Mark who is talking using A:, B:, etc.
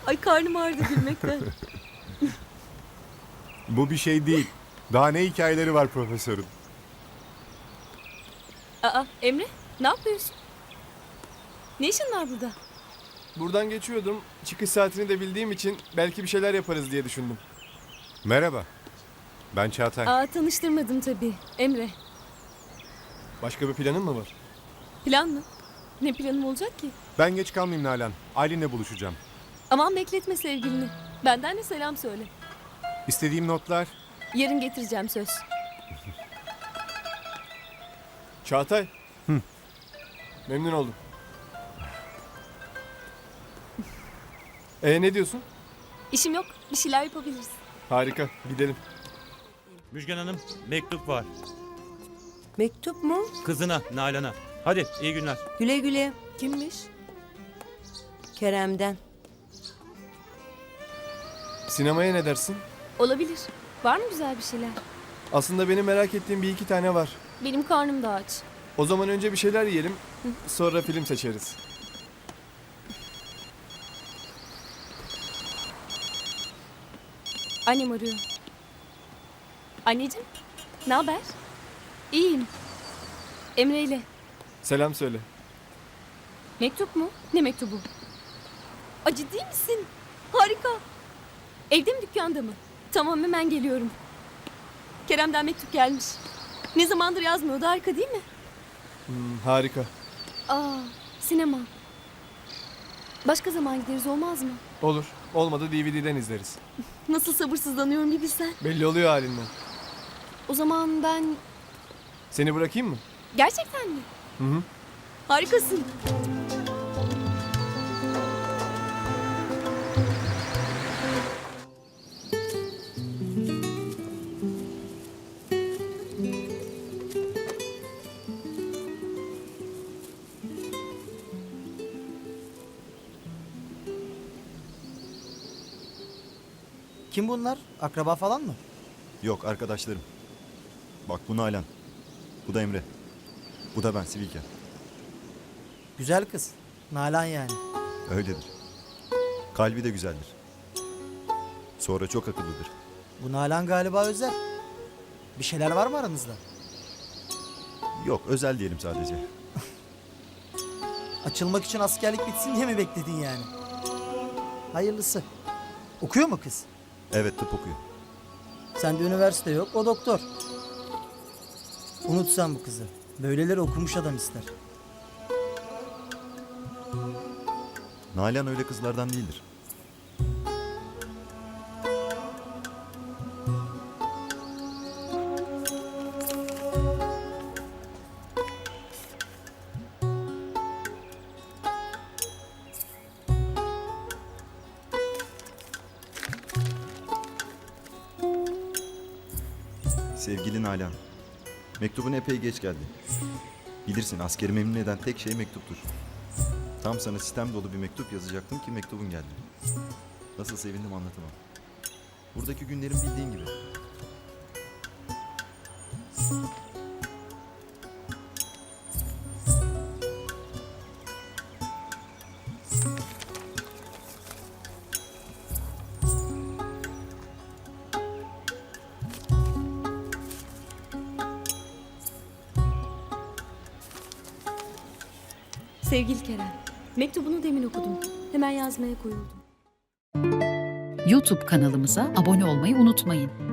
A: Ay karnım ağrıdı gülmekten.
B: Bu bir şey değil. Daha ne hikayeleri var profesörün?
A: Aa Emre ne yapıyorsun? Ne işin var burada?
C: Buradan geçiyordum. Çıkış saatini de bildiğim için belki bir şeyler yaparız diye düşündüm.
B: Merhaba. Ben Çağatay.
A: Aa tanıştırmadım tabii. Emre.
C: Başka bir planın mı var?
A: Plan mı? Ne planım olacak ki?
B: Ben geç kalmayayım Nalan. Aylin'le buluşacağım.
A: Aman bekletme sevgilini. Benden de selam söyle.
B: İstediğim notlar.
A: Yarın getireceğim söz.
C: Çağatay. Memnun oldum. Ne diyorsun?
A: İşim yok. Bir şeyler yapabiliriz.
C: Harika. Gidelim.
D: Müjgan Hanım, mektup var.
E: Mektup mu?
D: Kızına, Nalan'a. Hadi, iyi günler.
E: Güle güle.
A: Kimmiş?
E: Kerem'den.
C: Sinemaya ne dersin?
A: Olabilir. Var mı güzel bir şeyler?
C: Aslında benim merak ettiğim bir iki tane var.
A: Benim karnım da aç.
C: O zaman önce bir şeyler yiyelim. Sonra film seçeriz.
A: Annem arıyor. Anneciğim, ne haber? İyiyim. Emre ile.
C: Selam söyle.
A: Mektup mu? Ne mektubu? Aa, ciddi misin? Harika. Evde mi dükkanda mı? Tamam hemen geliyorum. Kerem'den mektup gelmiş. Ne zamandır yazmıyordu, harika değil mi?
C: Harika.
A: Aa, sinema. Başka zaman gideriz olmaz mı?
C: Olur. Olmadı DVD'den izleriz.
A: Nasıl sabırsızlanıyorum bir bilsen.
C: Belli oluyor halinden.
A: O zaman ben...
C: Seni bırakayım mı?
A: Gerçekten mi?
C: Hı hı.
A: Harikasın.
F: Kim bunlar? Akraba falan mı?
G: Yok, arkadaşlarım. Bak bu Nalan. Bu da Emre. Bu da ben Sivilken.
F: Güzel kız. Nalan yani.
G: Öyledir. Kalbi de güzeldir. Sonra çok akıllıdır.
F: Bu Nalan galiba özel. Bir şeyler var mı aranızda?
G: Yok, özel diyelim sadece.
F: Açılmak için askerlik bitsin diye mi bekledin yani? Hayırlısı. Okuyor mu kız?
G: Evet, tıp okuyor.
F: Sende üniversite yok, o doktor. Unutsan bu kızı. Böyleleri okumuş adam ister.
G: Nalan öyle kızlardan değildir. Sevgili Nalan, mektubun epey geç geldi. Bilirsin, askeri memnun eden tek şey mektuptur. Tam sana sistem dolu bir mektup yazacaktım ki mektubun geldi. Nasıl sevindim anlatamam. Buradaki günlerim bildiğin gibi.
A: Sevgili Kerem, mektubunu demin okudum. Hemen yazmaya koyuldum.
H: YouTube kanalımıza abone olmayı unutmayın.